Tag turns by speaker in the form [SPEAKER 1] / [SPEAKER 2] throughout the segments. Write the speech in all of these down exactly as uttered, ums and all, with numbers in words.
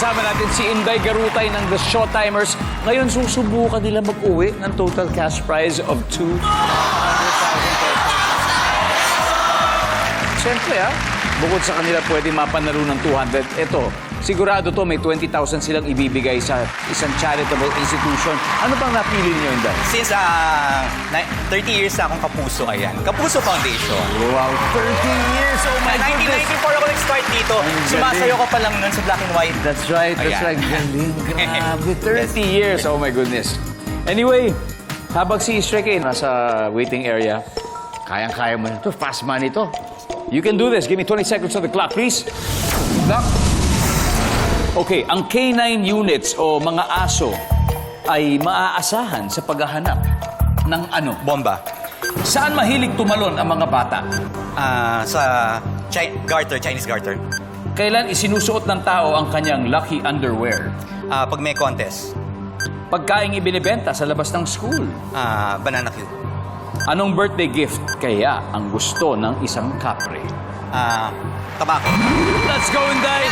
[SPEAKER 1] kasama natin si Inday Garutay ng The Showtimers. Ngayon, susubukan nila mag-uwi ng total cash prize of two hundred thousand pesos. Siyempre, ha? Bukod sa kanila pwede mapanalo ng two hundred, ito, sigurado to may twenty thousand silang ibibigay sa isang charitable institution. Ano bang napili niyo, Inday?
[SPEAKER 2] Since uh, thirty years na akong Kapuso, ayan. Kapuso Foundation.
[SPEAKER 1] Wow, thirty years! Oh my
[SPEAKER 2] nineteen
[SPEAKER 1] goodness!
[SPEAKER 2] ninety-four ako nag-start dito. Sumasayo ko pa lang nun sa black and white.
[SPEAKER 1] That's right, that's
[SPEAKER 2] Ayan.
[SPEAKER 1] right. Galing, grabe. thirty years, oh my goodness. Anyway, habang si Shrek nasa waiting area, kayang-kaya mo na ito. Fast money ito. You can do this. Give me twenty seconds on the clock, please. Clock. Okay, ang K nine units o mga aso ay maaasahan sa paghahanap ng ano?
[SPEAKER 2] Bomba.
[SPEAKER 1] Saan mahilig tumalon ang mga bata?
[SPEAKER 2] Ah, sa Chi garter, Chinese garter.
[SPEAKER 1] Kailan isinusuot ng tao ang kanyang lucky underwear?
[SPEAKER 2] Ah, pag may contest.
[SPEAKER 1] Pagkaing ibinibenta sa labas ng school.
[SPEAKER 2] Ah, banana cue.
[SPEAKER 1] Anong birthday gift kaya ang gusto ng isang kapre?
[SPEAKER 2] Ah, tabako.
[SPEAKER 1] Let's go, Inday!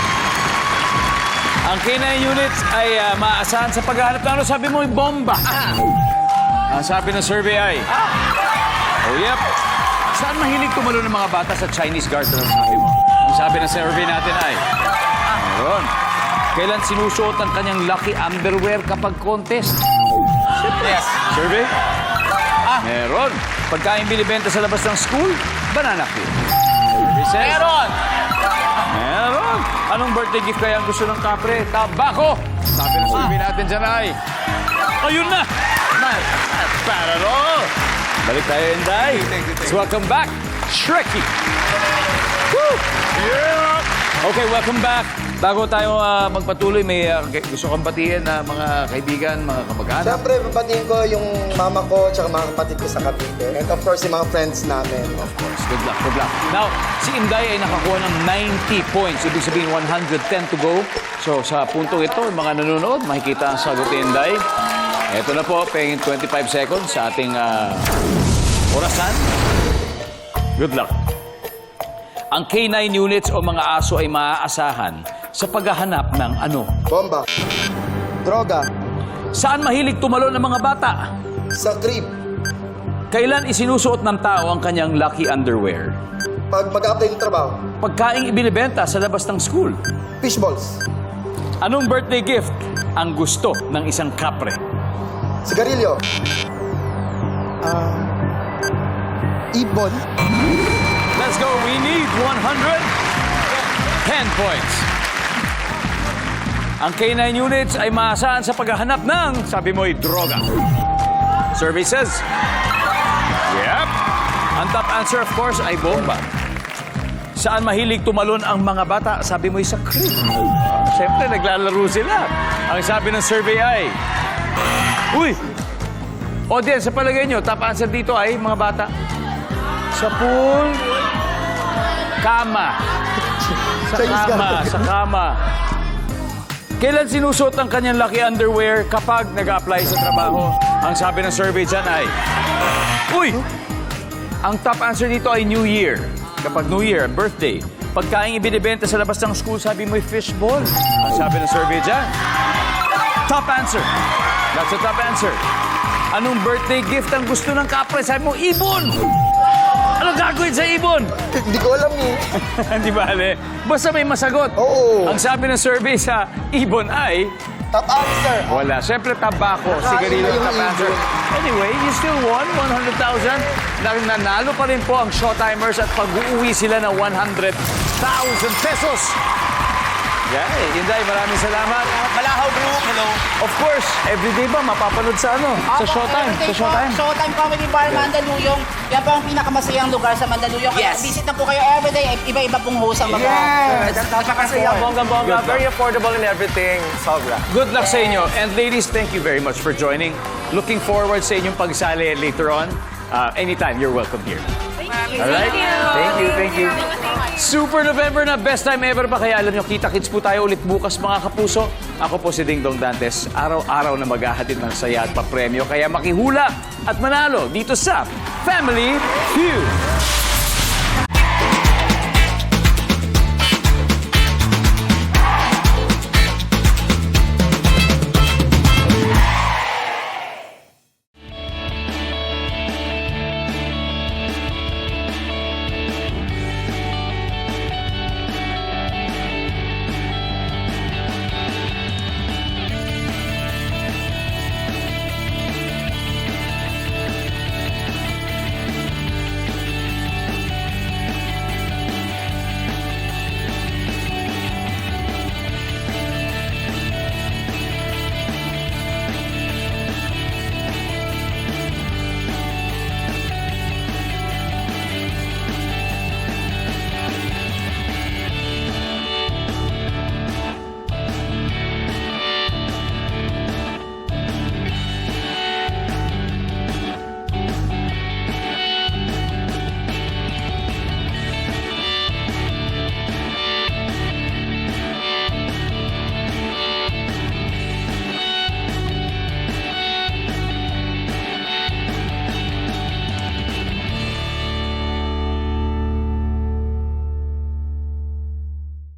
[SPEAKER 1] Ang K nine units ay uh, maaasahan sa paghahanap ng ano sabi mo, bomba. Ang sabi ng survey ay... Oh, yep. Saan mahilig tumalo ng mga bata sa Chinese garter ang sabi mo? Ang sabi ng survey natin ay... Meron. Kailan sinusuot ang kanyang lucky underwear kapag contest?
[SPEAKER 2] Yes.
[SPEAKER 1] Survey? Ah, meron. Pagkain binibenta sa labas ng school, banana cue. Meron! Meron! Anong birthday gift kaya ang gusto ng kapre? Tabako! Sabi ng survey natin dyan ay... Ayun na! Pararo! Balik tayo, Inday. So welcome back, Shreky! Woo! Yeah! Okay, welcome back. Bago tayo uh, magpatuloy, may uh, gusto kong batiin na uh, mga kaibigan, mga kamag-anak.
[SPEAKER 3] Siyempre, babatiin ko yung mama ko at mga kapatid ko sa Cavite. And of course, yung mga friends namin.
[SPEAKER 1] Of course. Good luck, good luck. Now, si Inday ay nakakuha ng ninety points. Ibig sabihin, one hundred ten to go. So, sa puntong ito, yung mga nanonood, makikita ang sagot ni Inday. Ito na po, pengin twenty-five seconds sa ating uh, orasan. Good luck. Ang K nine units o mga aso ay maaasahan sa paghahanap ng ano?
[SPEAKER 3] Bomba. Droga.
[SPEAKER 1] Saan mahilig tumalon ng mga bata?
[SPEAKER 3] Sa crib.
[SPEAKER 1] Kailan isinusuot ng tao ang kanyang lucky underwear?
[SPEAKER 3] Pag mag-apply ng trabaho.
[SPEAKER 1] Pagkaing ibinibenta sa labas ng school.
[SPEAKER 3] Fishballs.
[SPEAKER 1] Anong birthday gift ang gusto ng isang kapre?
[SPEAKER 3] Sigarilyo. Ah... ibon.
[SPEAKER 1] Let's go. We need one hundred ten points. Ang K nine units ay maasahan sa paghahanap ng, sabi mo'y, droga. Services? Yep. Ang top answer, of course, ay bomba. Saan mahilig tumalon ang mga bata? Sabi mo'y sa crib. Siyempre, naglalaro sila. Ang sabi ng survey ay... Uy! Audience, sa palagay nyo, top answer dito ay mga bata. Sa pool... Kama. Sa kama, sa kama. Kailan sinusuot ang kanyang lucky underwear kapag nag-apply sa trabaho? Ang sabi ng survey dyan ay... Uy! Ang top answer dito ay New Year. Kapag New Year, birthday. Pagkain ibinibenta sa labas ng school, sabi mo'y fishball. Ang sabi ng survey dyan. Top answer. That's the top answer. Anong birthday gift ang gusto ng kapre? Sabi mo, ibon! Ano gagawin sa ibon?
[SPEAKER 3] Hindi ko alam eh.
[SPEAKER 1] Hindi ba, Ale? Basta may masagot.
[SPEAKER 3] Oo.
[SPEAKER 1] Ang sabi ng survey sa ibon ay...
[SPEAKER 3] Top answer.
[SPEAKER 1] Wala. Siyempre, tabako. Sigarilyo, top answer. Anyway, you still won one hundred thousand. Nanalo pa rin po ang Showtimers at pag-uwi sila ng one hundred thousand pesos. Yeah, Inday, maraming salamat.
[SPEAKER 2] Malahaw Group, hello.
[SPEAKER 1] Of course, everyday ba mapapanood sa ano? Sa Showtime. Sa Showtime.
[SPEAKER 4] Showtime Comedy Bar, Mandaluyong. Yan po ang pinakamasayang lugar sa Mandaluyong. Kaya
[SPEAKER 2] Yes.
[SPEAKER 4] visit na po kayo everyday. Iba-iba pong host ang mga...
[SPEAKER 3] Yes.
[SPEAKER 4] Napakasaya.
[SPEAKER 5] Bongga-bongga, very affordable and everything. Sobra.
[SPEAKER 1] Good luck sa inyo. And ladies, thank you very much for joining. Looking forward sa inyong pagsali later on. Uh, anytime, you're welcome here. All right? Thank you, thank you. Super November na, best time ever pa. Kaya alam nyo, kita-kits po tayo ulit bukas, mga kapuso. Ako po si Ding Dong Dantes. Araw-araw na maghahatid ng saya at papremyo. Kaya makihula at manalo dito sa Family Feud.